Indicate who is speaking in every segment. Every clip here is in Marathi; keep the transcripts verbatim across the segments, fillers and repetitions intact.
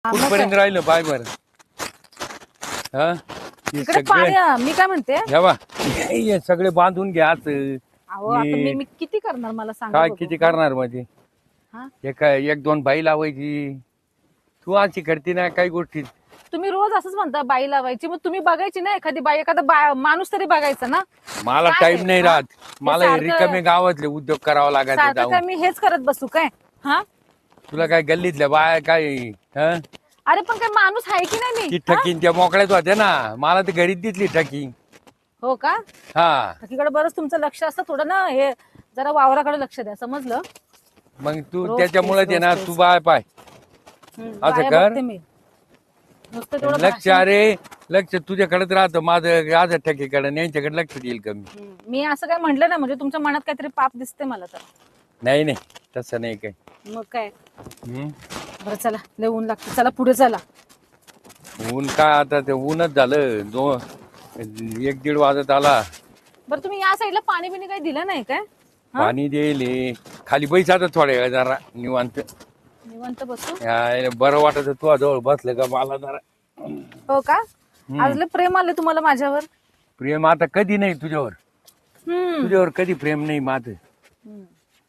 Speaker 1: कुठपर्यंत राहिलं बाय बर हा हे
Speaker 2: इकडे
Speaker 1: सगळे
Speaker 2: पाणी मी काय म्हणते
Speaker 1: घ्या बा हे सगळे बांधून घ्या आत.
Speaker 2: अहो आता मी मी किती करणार मला सांगा
Speaker 1: काय
Speaker 2: बघू.
Speaker 1: किती करणार म्हणजे
Speaker 2: हा?
Speaker 1: एक एक दोन बाई लावायची तू अशी करते ना काही गोष्टी.
Speaker 2: तुम्ही रोज असंच म्हणता बाई लावायची मग तुम्ही बघायची ना एखादी बाई एखादा बा- माणूस तरी बघायचा ना.
Speaker 1: मला
Speaker 2: काय
Speaker 1: टाइम
Speaker 2: आहे?
Speaker 1: नाही
Speaker 2: हा?
Speaker 1: राहत मला हे
Speaker 2: सारखं-
Speaker 1: रिकामे गावातले उद्योग करावा लागायचे
Speaker 2: सारखं काय
Speaker 1: जाऊन.
Speaker 2: मी हेच करत बसू काय हा
Speaker 1: तुला काय गल्लीतल्या बाय काय हा
Speaker 2: अरे पण काय माणूस आहे की नाही
Speaker 1: ती
Speaker 2: मी हा?
Speaker 1: ठकीन त्या मोकळ्यात होत्या ना मला तर घरीच दिसली ठकी.
Speaker 2: हो का
Speaker 1: हा
Speaker 2: बाकीकडे बरंच तुमचं लक्ष असतं थोडं ना हे जरा वावराकडे लक्ष द्या समजलं.
Speaker 1: मग तू
Speaker 2: रोज
Speaker 1: त्याच्यामुळे
Speaker 2: तेच,
Speaker 1: ते ना
Speaker 2: रोज
Speaker 1: तू
Speaker 2: तेच.
Speaker 1: बाय पाय
Speaker 2: हम्म,
Speaker 1: असं
Speaker 2: बाया
Speaker 1: कर.
Speaker 2: बघते मी नुसतं तेवढं
Speaker 1: लक्ष
Speaker 2: भाषण-
Speaker 1: अरे लक्ष तुझ्याकडेच राहतं माझं माझं ठकीकडे यांच्याकडे लक्ष देईल कमी.
Speaker 2: हम्म, मी असं काय म्हटलं ना म्हणजे तुमच्या मनात काहीतरी पाप दिसते मला तर.
Speaker 1: नाही नाही तसं नाही काय.
Speaker 2: मग काय
Speaker 1: हम्म.
Speaker 2: बरं चला लय ऊन लागतं चला पुढे चला.
Speaker 1: ऊन काय आता ते ऊनच झालं दो एक दीड वाजत आला.
Speaker 2: बरं तुम्ही या साईडला पाणी बिणी काही दिलं नाही काय हा?
Speaker 1: पाणी देईल खाली बैस आता थोड्या वेळ जरा निवांत.
Speaker 2: निवांत बसू
Speaker 1: या, बरं वाटत तुझ्या जवळ बसलं का मला जरा.
Speaker 2: हो का आज लय प्रेम आले तुम्हाला माझ्यावर.
Speaker 1: प्रेम आता कधी नाही तुझ्यावर
Speaker 2: हम्म
Speaker 1: तुझ्यावर कधी प्रेम नाही माझं.
Speaker 2: हम्म.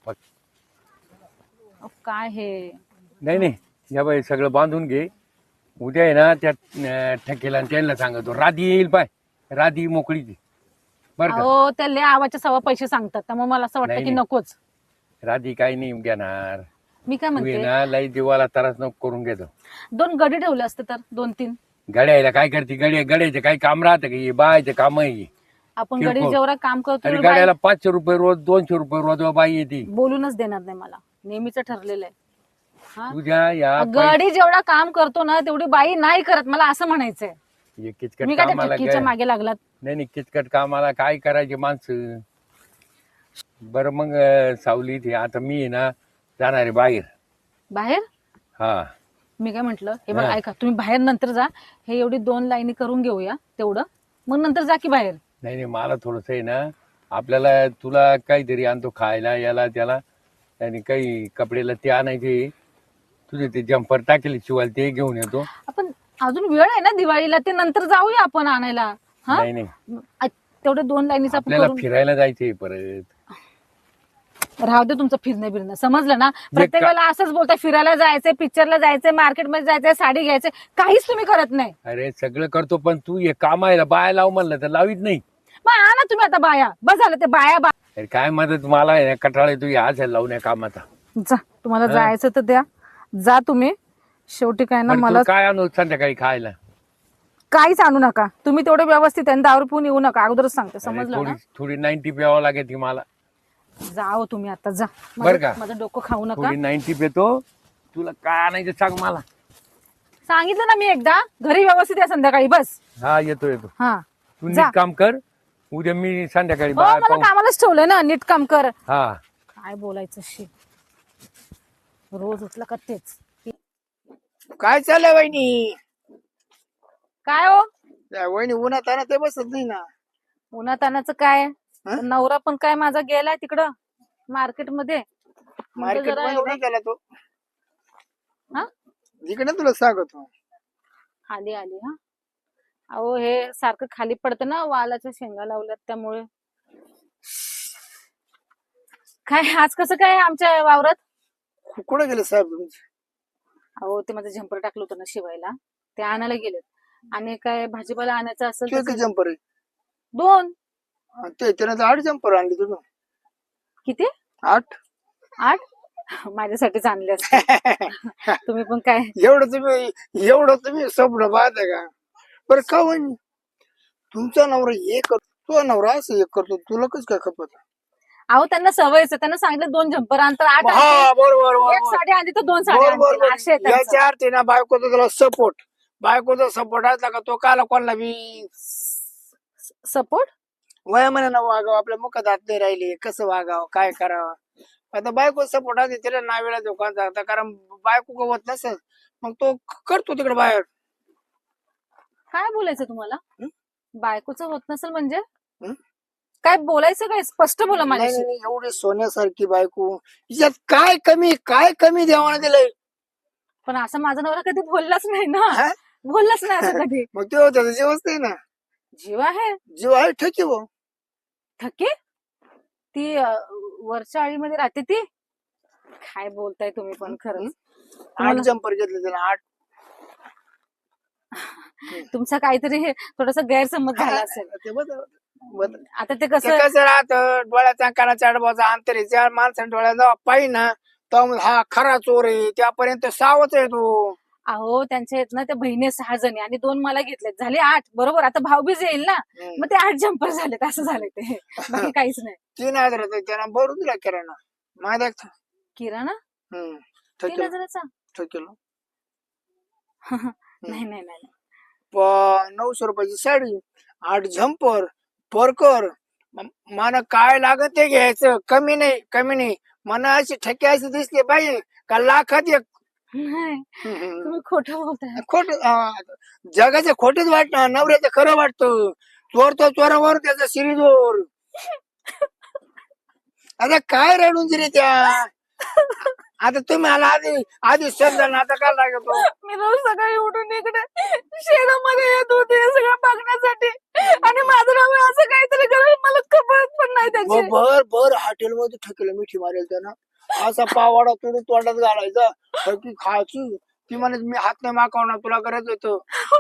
Speaker 2: अहो, काय हे
Speaker 1: नाही नाही या बाई सगळं बांधून घे. उद्या आहे ना त्या अं, ठेकेला आणि त्यांना सांगतो राधी येईल पाय राधी मोकळीची बरं का.
Speaker 2: अहो त्या लय आवाच्या सवा पैसे सांगतात त्यामुळे मला असं वाटतं
Speaker 1: नाही,
Speaker 2: की
Speaker 1: नाही.
Speaker 2: नकोच.
Speaker 1: राधी काही नाही घेणार.
Speaker 2: मी काय
Speaker 1: तू आहे
Speaker 2: म्हणते
Speaker 1: ना लई जीवाला त्रास नको करून घेतो.
Speaker 2: दोन गडी ठेवले असते तर दोन तीन
Speaker 1: गड्याला काय करते गड्या गड्याचे काही काम राहतं का हे बायचं काम आहे.
Speaker 2: आपण
Speaker 1: किरकोळ.
Speaker 2: गडी जेवढा काम करतो
Speaker 1: अरे
Speaker 2: एवढं बाई
Speaker 1: गाड्याला पाचशे रुपये रोज दोनशे रुपये रोज बाई येते.
Speaker 2: बोलूनच देणार नाही मला नेहमीच ठरलेलं आहे हा?
Speaker 1: तुझ्या या
Speaker 2: गडी जेवढा काम करतो ना तेवढी बाई नाही करत मला असं म्हणायचंय.
Speaker 1: पै- किचकट
Speaker 2: मी काय त्या
Speaker 1: कामाला
Speaker 2: ठक्कीच्या
Speaker 1: काय
Speaker 2: मागे लागलात.
Speaker 1: नाही नाही किचकट कामाला काय करायचे माणसं. बरं मग अं, सावली ते आता मी आहे ना जाणार आहे बाहेर.
Speaker 2: बाहेर
Speaker 1: हा
Speaker 2: मी काय म्हंटल हे बघा
Speaker 1: हा.
Speaker 2: ऐका तुम्ही बाहेर नंतर जा हे एवढी दोन लाईनी करून घेऊया तेवढं मग नंतर जा की बाहेर.
Speaker 1: नाही नाही मला थोडस आहे ना आपल्याला तुला काहीतरी आणतो खायला याला त्याला आणि काही कपडेला ते आणायचे. तुझे ते जम्पर टाकेल शिवायला ते घेऊन येतो.
Speaker 2: आपण अजून वेळ आहे ना दिवाळीला ते नंतर जाऊया आपण आणायला हा
Speaker 1: नाही नाही
Speaker 2: आ- तेवढे दोन लाईनीच आपण
Speaker 1: आपल्याला
Speaker 2: करून
Speaker 1: फिरायला जायचंय परत.
Speaker 2: राहू दे तुमचं फिरणं बिरणं समजलं ना. प्रत्येक
Speaker 1: का-
Speaker 2: वेळेला असंच बोलताय फिरायला जायचंय पिक्चरला जायचंय मार्केटमध्ये जायचंय साडी घ्यायचंय काहीच तुम्ही करत नाही.
Speaker 1: अरे सगळं करतो पण तू हे कामायला बाया लाव म्हणलं तर लावीत नाही.
Speaker 2: मग आणा तुम्ही आता बाया बस झालं ते बाया बा
Speaker 1: अरे काय मदत मला आहे ना कटाळा तू आज लावून या कामाचा.
Speaker 2: जा तुम्हाला जायचं तर द्या जा तुम्ही शेवटी काय ना
Speaker 1: बरं,
Speaker 2: मला
Speaker 1: तू काय आणू संध्याकाळी खायला.
Speaker 2: काहीच आणू नका तुम्ही तेवढे व्यवस्थित आहे दारू पिऊन येऊ नका अगोदरच सांगते
Speaker 1: अरे
Speaker 2: समजलं
Speaker 1: थोडी
Speaker 2: ना.
Speaker 1: थोडी नाईन्टी प्यावं लागेल ती मला.
Speaker 2: जाओ तुम्ही आता जा
Speaker 1: बरं का?
Speaker 2: माझं माझं डोकं खाऊ नका.
Speaker 1: थोडी नाईन्टी पितो तुला काय आणायचं सांग मला.
Speaker 2: सांगितलं ना मी एकदा घरी व्यवस्थित आहे संध्याकाळी बस
Speaker 1: हा येतो येतो
Speaker 2: हा
Speaker 1: तू
Speaker 2: जा.
Speaker 1: नीट काम कर. उद्या मी संध्याकाळी
Speaker 2: हो
Speaker 1: बाया
Speaker 2: मला
Speaker 1: पाहू.
Speaker 2: कामालाच ठेवलंय ना नीट काम कर.
Speaker 1: हा
Speaker 2: काय बोलायचं शी रोज उठलं का तेच.
Speaker 3: काय चाललंय वहिनी?
Speaker 2: काय हो
Speaker 3: त्या वहिनी उन्हात आहे ना ते बसत नाही ना.
Speaker 2: उन्हातानाचं काय
Speaker 3: हा?
Speaker 2: नवरा पण काय माझा गेलाय तिकडं मार्केटमध्ये म्हणजे
Speaker 3: मार्केट
Speaker 2: जरा
Speaker 3: मध्ये
Speaker 2: एवढं-
Speaker 3: नाही गेला तो.
Speaker 2: हा?
Speaker 3: इकडे तुला सांगतो.
Speaker 2: आली आली हा अहो हे सारखं खाली पडतं ना वालाच्या शेंगा लावल्यात त्यामुळे. काय आज कसं काय आमच्या वावरात.
Speaker 3: कु- कुठे गेले साहेब तुमचे?
Speaker 2: अहो ते माझं झंपर टाकलं होतं ना शिवायला ते आणायला गेलेत आणि काय भाजीपाला आणायचं असेल
Speaker 3: तू
Speaker 2: तर
Speaker 3: एक जम्पर आहे.
Speaker 2: दोन
Speaker 3: आणि ते त्याने तर आठ जम्पर आणले तुझं.
Speaker 2: किती
Speaker 3: आठ.
Speaker 2: आठ माझ्यासाठीच आणले असते. तुम्ही पण काय
Speaker 3: एवढं तुम्ही एवढं तुम्ही स्वप्न पाहता का? बरं का वहिनी तुमचा नवरा हे करतो तो नवरा असं हे करतो तुला कस काय खपत?
Speaker 2: अहो त्यांना सवयच आहे. त्यांना सांगितलं दोन झंपर आणतात आठ
Speaker 3: हा
Speaker 2: आणतील.
Speaker 3: बरोबर
Speaker 2: एक
Speaker 3: बरोबर
Speaker 2: साडी आणली तर दोन साडी
Speaker 3: बरोबर
Speaker 2: आणतील. असे आहे त्यांचं.
Speaker 3: याच्या अर्थ ना बायकोचा तुला सपोर्ट बायकोचा सपोर्ट असला का तो काला कोणाला बी
Speaker 2: सपोर्ट
Speaker 3: वयामानानं वागावं आपल्या मुखात हात नाही राहिले कसं वागावं काय करावं. आता बायको सपोर्ट असते त्याला नावेला दुकान जाता कारण बायको गवत नसेल मग तो करतो तिकडे बाहेर.
Speaker 2: काय बोलायचं तुम्हाला
Speaker 3: हं?
Speaker 2: बायकोचं होत नसेल म्हणजे
Speaker 3: हं?
Speaker 2: काय बोलायचं काय स्पष्ट बोला
Speaker 3: नाही
Speaker 2: माझ्याशी.
Speaker 3: नाही, एवढी सोन्यासारखी बायको याच्यात काय कमी काय कमी देवानं दिलंय.
Speaker 2: पण असं माझा नवरा कधी बोललाच नाही ना.
Speaker 3: हा?
Speaker 2: बोललाच नाही असं कधी.
Speaker 3: मग ते त्याचा जीवच नाही ना.
Speaker 2: जीव आहे
Speaker 3: जीव आहे ठकी भाऊ.
Speaker 2: थके ती अं, वरच्या आळीमध्ये राहते ती. काय बोलताय तुम्ही पण खरंच.
Speaker 3: आठ
Speaker 2: तुम्हाला-
Speaker 3: जंपर घेतले त्याला आठ.
Speaker 2: तुमचा काहीतरी हे थोडासा गैरसमज झाला असेल.
Speaker 3: ते बदल बदल.
Speaker 2: आता ते
Speaker 3: ते
Speaker 2: कसं
Speaker 3: कसं राहतं डोळ्याचा कानाच्या आडबाचा अंतर आहे ज्या माणसाने डोळ्यात जेव्हा पाहिजे ना तेव्हा मग हा खरा चोर आहे त्यापर्यंत सावच आहे तो.
Speaker 2: अहो त्यांच्या आहेत ना त्या बहिणी सहा जणी आणि दोन मला घेतलेत झाले आठ बरोबर. आता भाऊबीज येईल ना
Speaker 3: हम्म.
Speaker 2: मग ते आठ जंपर झालेत असं झाले ते. बाकी काहीच नाही.
Speaker 3: तीन हजार होते त्याला भरून दिला किराणा माहिती आहे का?
Speaker 2: किराणा
Speaker 3: हम्म.
Speaker 2: तीन
Speaker 3: ठेकेल
Speaker 2: हजाराचा.
Speaker 3: ठेकेल.
Speaker 2: नाही नाही नाही.
Speaker 3: प- नऊशे रुपयाची साडी आठ झंपर परकर मला काय लागत ते घ्यायचं कमी नाही कमी नाही मला अशी ठेके अशी दिसली पाहिजे का लाखात एक.
Speaker 2: नाही
Speaker 3: हम्म.
Speaker 2: तुम्ही खोटं बोलताय.
Speaker 3: खोट जगाचं खोटच वाटतं नवऱ्याचं खरं वाटतं. चोर तो चोरावर त्याचा शिरीजोर. आता काय रडून दिली त्या. आता तुम्ही आला आधी आधी समजा ना आता काय लागतो.
Speaker 2: मी रोज सकाळी उठून इकडे शेतामध्ये येत होते हे सगळं बघण्यासाठी आणि माझं नाव असं काहीतरी करेल मला खबर पण नाही त्याची.
Speaker 3: भर भर हॉटेलमध्ये ठेकेलं मिठी मारेल त्यानं असा पावाडा तोडून तोंडात घालायचा ठेकी खायची. ती म्हणे मी हात नाही मागवणार तुला करायचं होतं.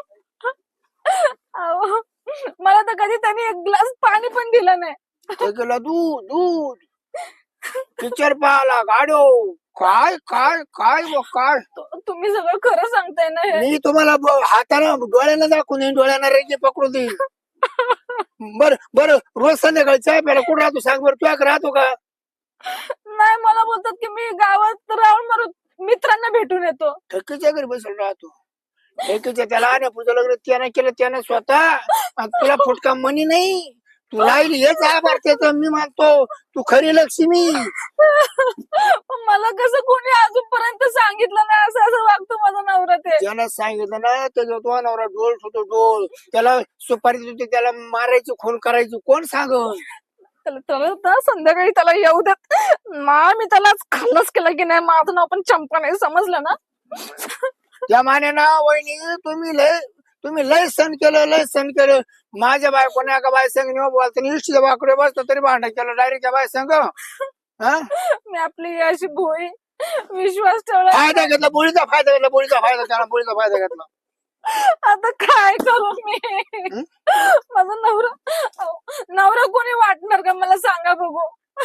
Speaker 2: अहो, मला तर कधी त्यांनी एक ग्लास पाणी पण दिलं नाही.
Speaker 3: ठेकेला दूध दूध पिक्चर पाहाला गाडो काय काय काय व काय.
Speaker 2: तुम्ही सगळं खरं सांगताय ना हे.
Speaker 3: मी तुम्हाला ब- हातानं डोळ्यानं दाखवून देईन डोळ्यानं रेगे पकडून देईन. बर बर रोज संध्याकाळी चाय प्यायला कुठं राहतो सांग बरं तुझ्याकडे राहतो का.
Speaker 2: नाही मला बोलतात की मी गावात राहून मग मित्रांना भेटून येतो.
Speaker 3: ठेकीच्या घरी बसून राहतो. ठेकीच्या त्याला आणि पुढचं लग्न त्यानं केलं त्यानं स्वतः आणि तुला फुटका मनी नाही. तू राहिली हेच आभार त्याचं मी मानतो. तू खरी लक्ष्मी.
Speaker 2: पण मला कसं कोणी अजूनपर्यंत सांगितलं नाही असं असं वागतो माझा नवरा ते.
Speaker 3: त्यानं सांगितलं ना त्याच्या तो नवरा डोल होतो डोल त्याला सुपारी देते त्याला मारायची खून करायची कोण सांगल.
Speaker 2: त्याला त्याला ना संध्याकाळी त्याला येऊ देत ना. मी त्याला खाल्लंच केलं की नाही माझं नाव पण चंपा नाही समजलं ना.
Speaker 3: त्या माने ना वहिनी तुम्ही लय तुम्ही लय सण केलं लय सण केलं. माझ्या बायकोने एका बाय संग बोलतो इष्टीच्या बाकडे बसतो तरी भांडण केलं डायरेक्ट त्या बाय संग. हा
Speaker 2: मी आपली अशी भोळी विश्वास ठेवला.
Speaker 3: फायदा घेतला बोळीचा फायदा घेतला बोळीचा फायदा त्याला बोळीचा फायदा घेतला.
Speaker 2: आता काय करू मी. माझा नवरा अहो, नवरा कोणी वाटणार का मला सांगा बघू.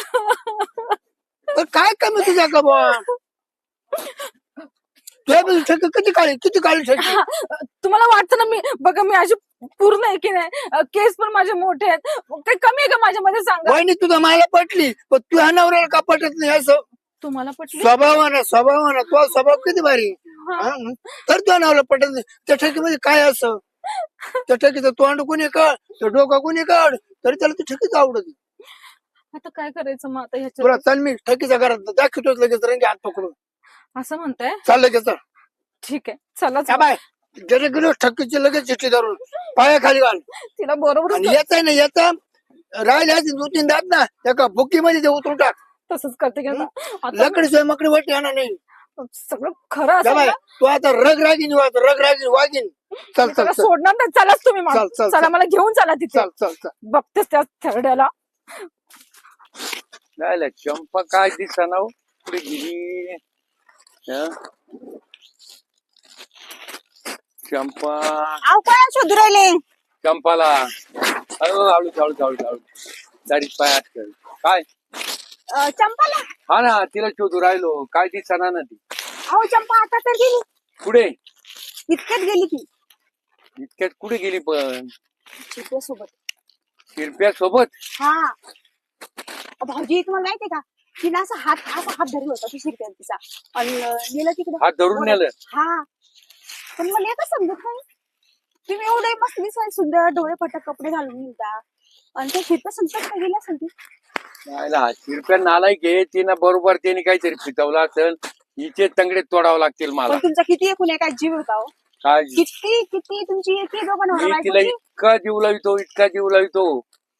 Speaker 3: तर काय कमी तुझ्या का बुवा तुझ्या ठेकी किती काळी किती काळी ठेकी.
Speaker 2: तुम्हाला वाटतं ना मी बघा मी अशी पूर्ण आहे की नाही केस पण माझे मोठे आहेत काही कमी आहे का माझ्यामध्ये सांगा.
Speaker 3: वहिनी तुझा मला पटली पण तुझ्या नवऱ्याला का पटत नाही असं.
Speaker 2: तुम्हाला पटली.
Speaker 3: स्वभावानं स्वभावानं तो स्वभाव किती भारी.
Speaker 2: हा.
Speaker 3: हा? तर तुझ्या नवऱ्याला पटत नाही. त्या ठेकीमध्ये काय असं त्या ठेकीचं तोंड कोणी काढ त्या डोका कोणी काढ तरी त्याला ती ठेकीच आवडत.
Speaker 2: आता काय करायचं मग आता
Speaker 3: तुला
Speaker 2: ह्याच्यात.
Speaker 3: चल मी ठेकीच्या घरात दाखवतोच लगेच रंगी हात पकडून
Speaker 2: असं म्हणताय.
Speaker 3: चाल लगेच चल.
Speaker 2: ठीक आहे चला
Speaker 3: या बाय जरी गेलो ठक्कीची लगेच चिठ्ठी धरून पायाखाली घाल.
Speaker 2: तिला बरोबर
Speaker 3: आणि येत आहे ना येत राहिले दोन तीन दात ना एका बुक्कीमध्ये ते उतरून टाक.
Speaker 2: तसंच करते की आता. आता
Speaker 3: लकडी सोय मकडी वाटते येणार नाही.
Speaker 2: सगळं खरं
Speaker 3: या
Speaker 2: असेल
Speaker 3: बाय
Speaker 2: ना.
Speaker 3: तू आता रग रागीन वाग रग रागीन वागीन. चल
Speaker 2: मी
Speaker 3: चल
Speaker 2: त्याला
Speaker 3: चल
Speaker 2: सोडणार नाही. चलाच तुम्ही मला.
Speaker 3: चल चल
Speaker 2: चला मला घेऊन चला तिथे.
Speaker 3: चल चल चल.
Speaker 2: बघतेस त्या थेरड्याला.
Speaker 1: नाही चंपा काय दिसना हो पुढे गेली. हं? चंपा
Speaker 4: अहो काय शोधू राहिले.
Speaker 1: चंपाला हळू हळू हळू हळू हळू दारीत पाय हात कर. काय
Speaker 4: अं, चंपाला.
Speaker 1: हा ना तिला शोधू राहिलो काय दिसना ना ती.
Speaker 4: अहो चंपा आता तर गेली.
Speaker 1: कुठे
Speaker 4: इतक्यात गेली की
Speaker 1: इतक्यात कुठे गेली पण
Speaker 4: सोबत.
Speaker 1: शिरप्या सोबत.
Speaker 4: हा अहो, भाऊजी तुम्हाला माहितीये का तिला असा हात असा हात धरला होता ती शिरप्यान तिचा आणि नेलं तिकडे.
Speaker 1: हात धरून नेलं.
Speaker 4: हा पण मला एकच समजत नाही तुम्ही एवढे मस्त दिसाय सुंदर डोळे फटक कपडे घालून निघता आणि त्या शिरप्या संकट काय गेल्या असेल ती.
Speaker 1: नाहीला शिरप्या नालायक आहे तिनं बरोबर त्याने काहीतरी फितवलं असेल. हिचे तंगडे तोडावं लागतील मला.
Speaker 4: पण तुमचा किती एकूण काय जीव होता हो.
Speaker 1: काय
Speaker 4: किती किती तुमची किती दोघं
Speaker 1: मी
Speaker 4: नवरा
Speaker 1: तिला
Speaker 4: बायकोची.
Speaker 1: इतका जीव लावितो इतका जीव लावितो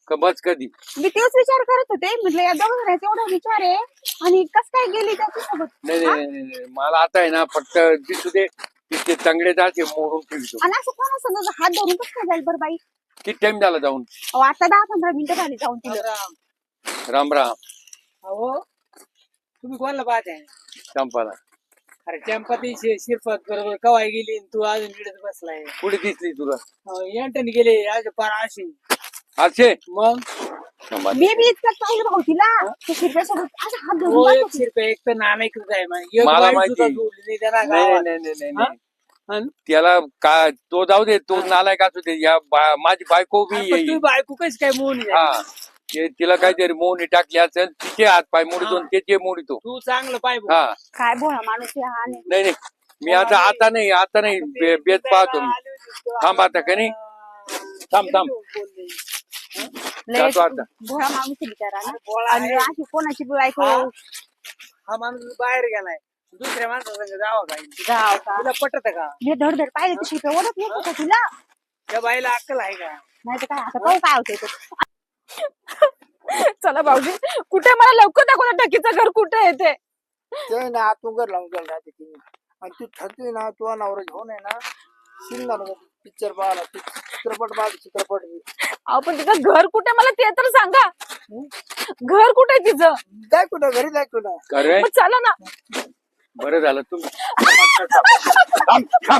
Speaker 1: का बस कधी?
Speaker 4: मी तेच विचार करत होते, म्हटलं या दोघं जणांचा एवढा विचार आहे आणि कस काय गेली त्याच्यासोबत.
Speaker 1: नाही नाही नाही, नाही मला आता आहे ना फक्त दिसू दे तिथे चांगले जाते मोडून ठेवतो.
Speaker 4: आणि असं कोणा समजा हात धरून कसं काय जाईल बरं बाई.
Speaker 1: किती टाइम झाला जाऊन?
Speaker 4: अहो, आता दहा पंधरा मिनिटं झाली जाऊन तिला.
Speaker 1: राम राम.
Speaker 3: अहो तुम्ही कोणाला पाहत आहे?
Speaker 1: चंपाला.
Speaker 3: अरे चंपाती शिरपत बरोबर कवाय गेली आणि तू अजून इकडेच बसलाय.
Speaker 1: कुठे दिसली तुला?
Speaker 3: यांटन गेले आज पार अशी.
Speaker 1: असे
Speaker 3: मग
Speaker 4: मी बी इतकं पाहिलं भाऊ तिला त्या शिरप्यासोबत असं हात धरून
Speaker 3: हो
Speaker 4: जात
Speaker 3: एक
Speaker 4: होती.
Speaker 3: शिरपे एक तर नानाईकृत आहे मग एक
Speaker 1: मला
Speaker 3: बाई
Speaker 1: माहिती.
Speaker 3: सुद्धा जोडली नाही त्यांना
Speaker 1: नाही
Speaker 3: गावात.
Speaker 1: नाही नाही नाही
Speaker 3: हा?
Speaker 1: नाही त्याला का तो जाऊ दे, तो नालायक असू दे. या बा- माझी बायको बी
Speaker 3: अरे पण
Speaker 1: येईल.
Speaker 3: तू बायको कशी काय मोहन
Speaker 1: हा ते तिला काहीतरी मोहनी टाकली असेल, तिचे हात पाय मोडीतो आणि त्याचे मोडीतो.
Speaker 3: तू चांगलं पाय बघ.
Speaker 1: हा
Speaker 4: काय बोला माणूस आहे हा आणि
Speaker 1: नाही नाही मी आता आता नाही आता नाही बे- बेत पाहतो मी. थांब आता का नाही? थांब थांब
Speaker 4: लय
Speaker 1: जातो आता.
Speaker 4: भोळा माणूस आहे बिचारा ना.
Speaker 3: बोळा
Speaker 4: आणि
Speaker 3: आहे.
Speaker 4: अशी कोणाची बी बायको
Speaker 3: हा? हा माणूस बाहेर गेलाय दुसऱ्या माणसासंग जावं काय
Speaker 4: जाव का.
Speaker 3: तुला पटत का?
Speaker 4: मी धडधड पाहिजे ती शिरप्या ओढत येत होता तिला.
Speaker 3: त्या बाईला अक्कल आहे का?
Speaker 4: नाही तर काय आता पाहू काय होतंय ते.
Speaker 2: चला भाऊजी, कुठे मला लवकर दाखवा ना टकीचं घर कुठे आहे ते.
Speaker 3: ते ना आतून घर लावून गेलं राहते ती आणि तू थकली ना तू नवरा घेऊन आहे ना सिंगल पिक्चर पाहिला चित्रपट पाहिला चित्रपट
Speaker 2: अहो पण तिचं घर कुठे मला ते तर सांगा. घर कुठे आहे तिचं?
Speaker 3: जाय कुठं घरी जाय कुठं.
Speaker 1: खरंय.
Speaker 2: मग चला ना.
Speaker 1: बरं झालं तुम्ही. थांब, थांब.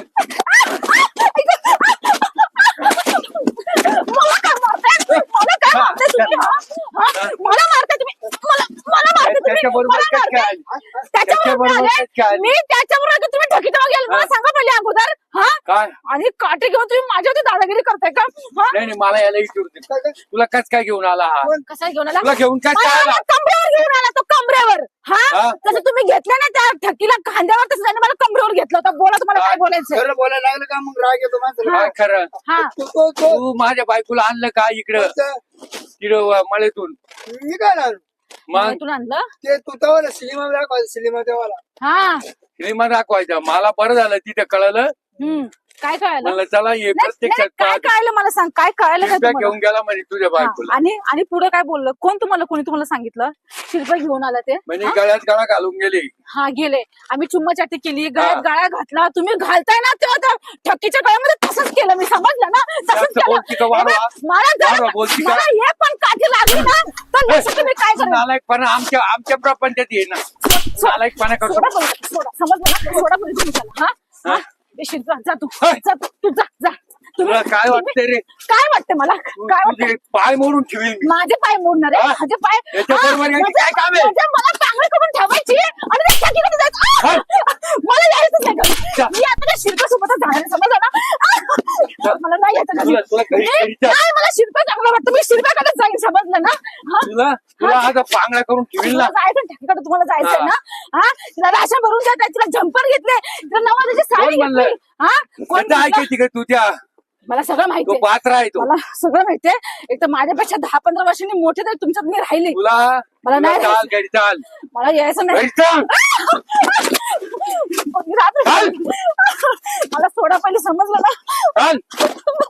Speaker 2: मला काय मारताय? मला काय मारताय तुम्ही? हा? हा? मला मारताय तुम्ही? मला मला मारताय तुम्ही?
Speaker 1: त्याच्याबरोबर
Speaker 2: मला
Speaker 1: काय
Speaker 2: मारताय?
Speaker 1: काय?
Speaker 2: त्याच्याबरोबर
Speaker 1: त्याच्याबरोबर
Speaker 2: आले?
Speaker 1: काय काय?
Speaker 2: मी त्याच्याबरोबर आले, तुम्ही ठकीत गेल. मला
Speaker 1: हा.
Speaker 2: सांगा पहिले अगोदर. हा
Speaker 1: काय?
Speaker 2: आणि काटे घेऊन तुम्ही माझ्यावरती दादागिरी करताय का? हा
Speaker 1: नाही नाही मला याला विचारू दे. तुला कस काय घेऊन आला हा?
Speaker 2: कसा घेऊन आला?
Speaker 1: तुला घेऊन काय
Speaker 2: मला
Speaker 1: काय आला?
Speaker 2: मला कमरेवर घेऊन आला तो, कमरेवर. हा
Speaker 1: हा?
Speaker 2: तसं तुम्ही घेतलं ना त्या ठकीला खांद्यावर, तसं त्याने मला कमरेवर घेतलं होतं. बोला तुम्हाला काय बोलायचं.
Speaker 3: खरं बोलायला लागलं का मग राग येतो माणसाला.
Speaker 1: काय खरं?
Speaker 2: हा
Speaker 3: तो- तो- तो-
Speaker 1: तू माझ्या बायकोला आणलं का इकडं तिकडं मळेतून?
Speaker 3: मी काय लागलो
Speaker 1: मग
Speaker 2: तुला आणलं.
Speaker 3: ते तू तेव्हा सिनेमा दाखवायचा सिनेमा तेव्हा
Speaker 2: हा
Speaker 1: सिनेमा दाखवायचा. मला बरं झालं तिथे कळलं.
Speaker 2: हम्म काय कळालं?
Speaker 1: म्हणलं चला ये
Speaker 2: नाही, नाही,
Speaker 1: प्रत्यक्षात
Speaker 2: काय
Speaker 1: पाहतो.
Speaker 2: कळालं मला सांग, काय कळालं नाही
Speaker 1: शिरप्या
Speaker 2: तुम्हाला?
Speaker 1: घेऊन गेला म्हणे तुझ्या
Speaker 2: हा,
Speaker 1: बायकोला.
Speaker 2: आणि आणि पुढे काय बोललं? कोण तुम्हाला, कोणी तुम्हाला सांगितलं शिरपा घेऊन आला ते?
Speaker 1: म्हणजे गळ्यात गळा घालून गेली.
Speaker 2: हा गेले. आम्ही चुम्मा चाटी केली, गळ्यात
Speaker 1: हा.
Speaker 2: गाळा घातला. तुम्ही घालताय ना तेव्हा त्या ठकीच्या गळ्यामध्ये तसंच केलं मी, समजलं ना? तसंच
Speaker 1: जास्त
Speaker 2: केलं.
Speaker 1: बोलती का वाढवा?
Speaker 2: हे बघ, मला जर
Speaker 1: वाढवा बोलती का?
Speaker 2: मला हे पण काठी लागली ना तर लक्ष तुम्ही काय करा.
Speaker 1: नालायकपणा आमच्या आमच्या प्रपंचात ये ना. नालायकपणा करतो.
Speaker 2: सोडा बोलू, सोडा, समजलं ना? सोडा बोलू तुम्ही त्याला. हा हा
Speaker 1: हा?
Speaker 2: ए, शिरपा, जा तू
Speaker 1: होय.
Speaker 2: जा तू, तू जा जा तुम्ही-
Speaker 1: तुला काय वाटतंय रे?
Speaker 2: काय वाटतं मला?
Speaker 1: तू-
Speaker 2: काय वाटतं?
Speaker 1: तुझे पाय मोडून ठेवील मी.
Speaker 2: माझे पाय मोडणार आहे?
Speaker 1: हा?
Speaker 2: माझे पाय
Speaker 1: याच्याबरोबर
Speaker 2: हा,
Speaker 1: याची
Speaker 2: म्हणजे-
Speaker 1: काय काम आहे?
Speaker 2: म्हणजे मला चांगलं करून ठेवायची आणि त्या ठिकाणी जायचं. आ! मला यायचंच नाही घरी.
Speaker 1: जा.
Speaker 2: मी आता त्या शिल्पासोबतच जाणार आहे, समजलं ना? आ! मला नाही यायचं घरी.
Speaker 1: तुला- तुला घरी-
Speaker 2: मी-
Speaker 1: घरी जा.
Speaker 2: नाही, मला शिल्पा चांगलं वाटतं. मी शिल्पाकडे जाईन, समजलं ना? हा?
Speaker 1: तुला तुला आता पांगळा करून ठेवील ना.
Speaker 2: तुला जायचं ठिकाणी, तुम्हाला जायचंय ना? हा तिला राशन भरून द्या, तिला जम्पर घेतले, तिला नवाजाची साडी
Speaker 1: कोण म्हणलं?
Speaker 2: घेतली. हा कोण
Speaker 1: त्याचं
Speaker 2: म्हटलं?
Speaker 1: ऐकायची का तुझ्या?
Speaker 2: मला सगळं माहिती
Speaker 1: तो बात्रा आहे तो.
Speaker 2: मला सगळं माहितीये. एक तर माझ्यापेक्षा दहा पंधरा वर्षांनी मोठे तर तुमच्यात मी राहिले.
Speaker 1: तुला
Speaker 2: मला नाही
Speaker 1: तुला चाल घरी चाल.
Speaker 2: मला यायचं नाही.
Speaker 1: घरी चाल.
Speaker 2: मी राहत नाही. मला सोडा पहिले, समजलं ना?
Speaker 1: चाल.